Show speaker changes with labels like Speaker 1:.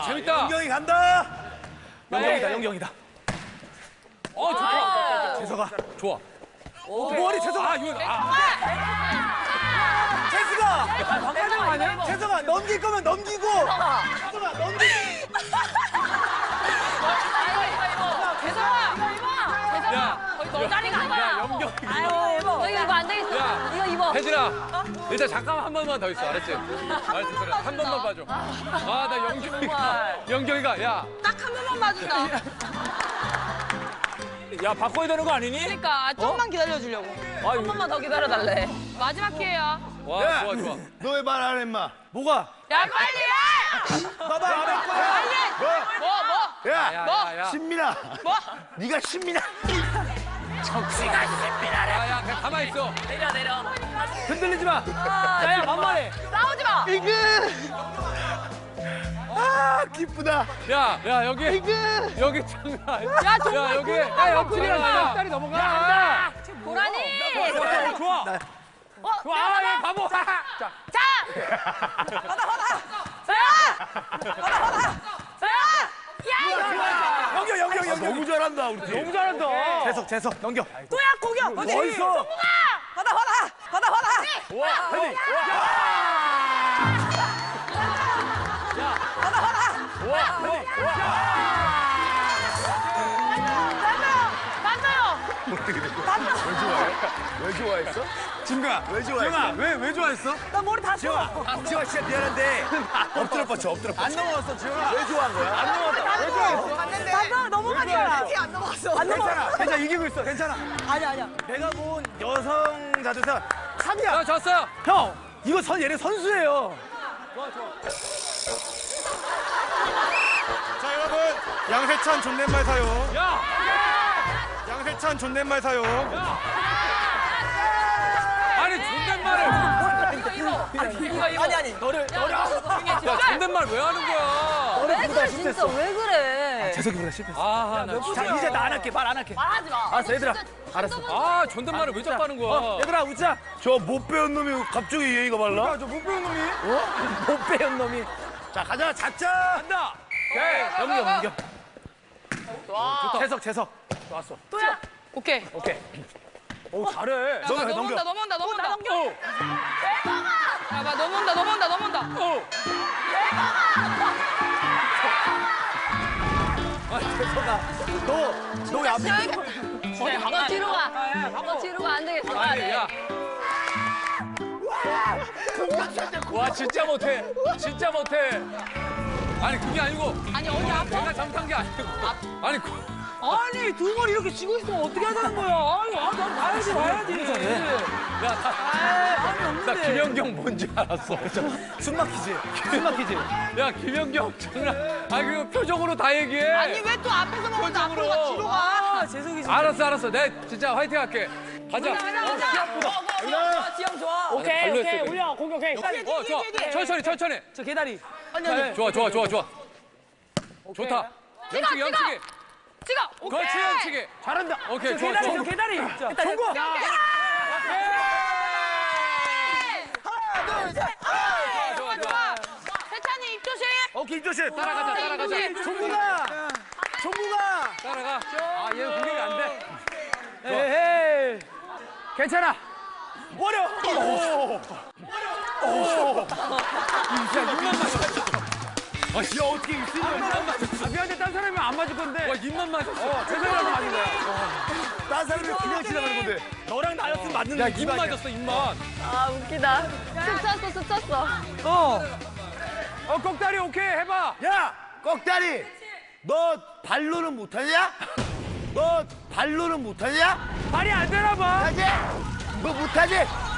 Speaker 1: 재밌다.
Speaker 2: 영경이 간다.
Speaker 1: 영경이다,
Speaker 2: 영경이다.
Speaker 1: 좋다.
Speaker 2: 재석아.
Speaker 1: 좋아.
Speaker 2: 머리 재석아. 재석아.
Speaker 3: 방금 아니야?
Speaker 2: 재석아 넘길 거면 넘기고. 재석아 넘기.
Speaker 4: 재성아!
Speaker 1: 야,
Speaker 4: 거의 너 자리가 아니야.
Speaker 1: 야, 영경이.
Speaker 4: 아유, 너 이거 입어 안 되겠어.
Speaker 1: 야.
Speaker 4: 이거 입어.
Speaker 1: 혜진아, 일단 잠깐만 한 번만 더 있어, 알았지? 알았지, 그래. 한 번만 봐줘. 나 영경이가, 야.
Speaker 4: 딱 한 번만 봐준다.
Speaker 3: 야, 바꿔야 되는 거 아니니?
Speaker 4: 그러니까 조금만 기다려주려고. 한 번만 더 기다려달래. 마지막 기회야.
Speaker 1: 와, 좋아, 좋아.
Speaker 5: 너 왜 말 안 해, 임마?
Speaker 2: 뭐가?
Speaker 4: 야, 빨리 해!
Speaker 2: 봐봐 안 할 거야.
Speaker 4: 빨리 해! 뭐?
Speaker 5: 야,
Speaker 1: 야.
Speaker 5: 신민아.
Speaker 4: 뭐?
Speaker 5: 네가 신민아.
Speaker 1: 야, 그냥 가만히 있어.
Speaker 4: 내려.
Speaker 3: 흔들리지 마. 야, 만만해.
Speaker 4: 싸우지 마!
Speaker 5: 이그. 아, 기쁘다.
Speaker 1: 야, 여기 장난 아니야.
Speaker 4: 야, 정말
Speaker 1: 여기.
Speaker 4: 궁금하다.
Speaker 1: 옆구리랑 몇 달이 넘어가.
Speaker 4: 고라니!
Speaker 3: 좋아.
Speaker 4: 좋아,
Speaker 3: 야, 바보.
Speaker 4: 자! 받아! 야!
Speaker 2: 영경.
Speaker 5: 너무 잘한다, 우리 팀.
Speaker 3: 너무 잘한다.
Speaker 2: 재석 넘겨.
Speaker 4: 또야, 공격!
Speaker 2: 어딨어?
Speaker 4: 받아!
Speaker 2: 와, 헤딩.
Speaker 5: 왜 좋아했어?
Speaker 2: 진가.
Speaker 5: 왜 좋아했어?
Speaker 2: 왜 좋아했어?
Speaker 4: 나 머리 다
Speaker 2: 지영아 진짜 미안한데 엎드려 뻗쳐. 안 넘어갔어 지영아.
Speaker 5: 왜 좋아한 거야?
Speaker 2: 안 넘어갔다. 왜 좋아했어?
Speaker 4: 봤는데 넘어가니까 안 넘어갔어. 안 넘어갔어.
Speaker 2: 괜찮아 이기고 있어. 괜찮아.
Speaker 4: 아니야.
Speaker 2: 내가 본 여성 자주사 3이야.
Speaker 1: 야, 졌어요.
Speaker 2: 형 이거 얘네 선수예요.
Speaker 6: 자 여러분 양세찬 존댓말 사요.
Speaker 1: 야,
Speaker 6: 양세찬 존댓말 사요.
Speaker 1: 아니, 존댓말을.
Speaker 4: 아니. 너를.
Speaker 1: 야, 존댓말 왜 하는 거야?
Speaker 4: 왜 그래 진짜 왜 그래?
Speaker 2: 재석이보다 실패했어.
Speaker 1: 아, 나
Speaker 2: 자
Speaker 1: 진짜.
Speaker 2: 이제 나 안 할게. 말 안 할게.
Speaker 4: 말하지 마.
Speaker 2: 알았어 얘들아. 알았어.
Speaker 1: 아, 존댓말을 왜 자꾸 하는 거야?
Speaker 2: 얘들아 웃자.
Speaker 5: 저 못 배운 놈이 갑자기 예의가 발라?
Speaker 2: 저 못 배운 놈이. 못 배운 놈이.
Speaker 5: 자, 가자, 잡자.
Speaker 1: 간다. 오케이.
Speaker 2: 넘겨. 재석.
Speaker 1: 좋았어.
Speaker 4: 또야. 오케이.
Speaker 2: 오 잘해. 넘겨.
Speaker 4: 넘어온다. 넘겨. 야, 봐, 넘어온다.
Speaker 2: 재석아 너 왜 앞에
Speaker 4: 너 뒤로 가. 너 뒤로 가. 안 되겠어.
Speaker 1: 아니, 야. 와, 진짜 못해. 아니, 그게 아니고.
Speaker 4: 아니, 어디 아파?
Speaker 1: 내가 잘못한 게 아니고. 아니,
Speaker 3: 아니, 두 번 이렇게 지고 있으면 어떻게 하자는 거야? 난 봐야지.
Speaker 1: 야, 나 김연경 뭔지 알았어.
Speaker 2: 숨 막히지.
Speaker 1: 야, 김연경 장난. 그 표정으로 다 얘기해.
Speaker 4: 아니, 왜 또 앞에서 먹는데 앞으로 가? 뒤로 가.
Speaker 3: 아, 재석이 진짜.
Speaker 1: 알았어. 내가 진짜 화이팅 할게. 가자.
Speaker 4: 지영 좋아.
Speaker 3: 오케이.
Speaker 1: 발로했어,
Speaker 3: 올려. 공격해.
Speaker 1: 좋아. 천천히.
Speaker 3: 저 계다리.
Speaker 1: 좋아. 좋다. 연치기.
Speaker 4: 찍어. 오케이.
Speaker 1: 그렇지, 연치기.
Speaker 3: 잘한다.
Speaker 1: 오케이, 좋아.
Speaker 3: 계다리. 저 계다리.
Speaker 2: 종구.
Speaker 1: 좋아.
Speaker 4: 세찬이 입 조심.
Speaker 2: 오케이 조심.
Speaker 1: 따라가자.
Speaker 2: 종구가.
Speaker 1: 따라가.
Speaker 2: 아 얘는 공격이 안 돼.
Speaker 3: 에헤이. 괜찮아.
Speaker 2: 버려.
Speaker 1: 야, 어떻게 입술이
Speaker 3: 미안한데 딴 사람이면 안 맞을 건데.
Speaker 1: 와, 입만 맞았어.
Speaker 3: 재석이랑 맞은 거야.
Speaker 5: 딴 사람이 그냥 지나가는 건데.
Speaker 2: 너랑 나였으면 맞는
Speaker 1: 야, 입 맞았어, 입만.
Speaker 4: 아, 웃기다. 스쳤어.
Speaker 3: 꼭다리 오케이. 해봐.
Speaker 5: 야, 꺽다리. 너 발로는 못하냐?
Speaker 3: 발이 안 되나 봐.
Speaker 5: 못하지? 뭐 못하지?